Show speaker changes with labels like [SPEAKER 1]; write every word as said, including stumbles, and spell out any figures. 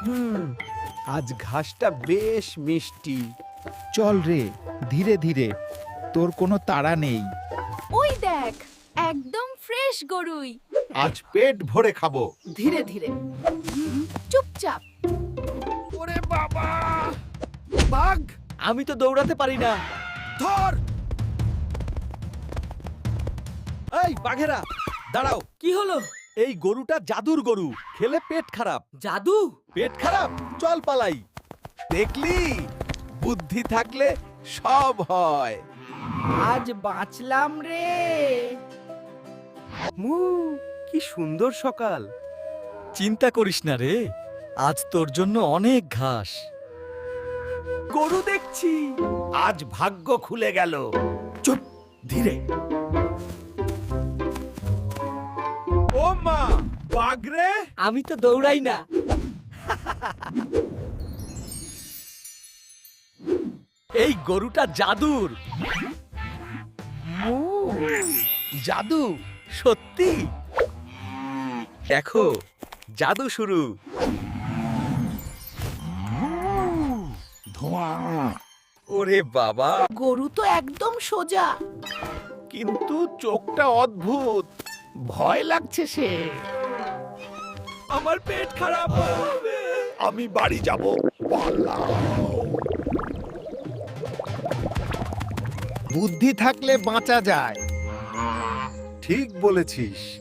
[SPEAKER 1] হুম, আজ ঘাসটা বেশ মিষ্টি।
[SPEAKER 2] চল রে, ধীরে ধীরে, তোর কোনো তাড়া নেই।
[SPEAKER 3] ওই দেখ, একদম ফ্রেশ গরুই।
[SPEAKER 1] আজ পেট ভরে খাবো।
[SPEAKER 3] ধীরে ধীরে, চুপচাপ।
[SPEAKER 1] ওরে বাবা, বাঘ!
[SPEAKER 4] আমি তো দৌড়াতে পারি না।
[SPEAKER 1] ধর!
[SPEAKER 4] এই বাঘেরা, দাঁড়াও। কি হলো? এই গরুটা জাদুর গরু, খেলে পেট খারাপ। জাদু? পেট খারাপ, চল পালাই।
[SPEAKER 1] দেখলি, বুদ্ধি থাকলে সব হয়।
[SPEAKER 5] আজ বাঁচলাম রে।
[SPEAKER 4] মু, কি সুন্দর সকাল। চিন্তা করিস না রে, আজ তোর জন্য অনেক ঘাস।
[SPEAKER 1] গরু দেখছি, আজ ভাগ্য খুলে গেল। চুপ, ধীরে। ও মা, বাঘ রে!
[SPEAKER 4] আমি তো দৌড়াই না। এই গরুটা জাদুর। মু, জাদু সত্যি। দেখো, জাদু শুরু।
[SPEAKER 1] ধোঁয়া!
[SPEAKER 4] ওরে বাবা,
[SPEAKER 3] গরু তো একদম সোজা।
[SPEAKER 1] কিন্তু চোখটা অদ্ভুত, ভয় লাগছে সে।
[SPEAKER 4] আমার পেট খারাপ হবে।
[SPEAKER 1] আমি বাড়ি যাব।
[SPEAKER 2] বুদ্ধি থাকলে বাঁচা যায়।
[SPEAKER 1] ঠিক বলেছিস।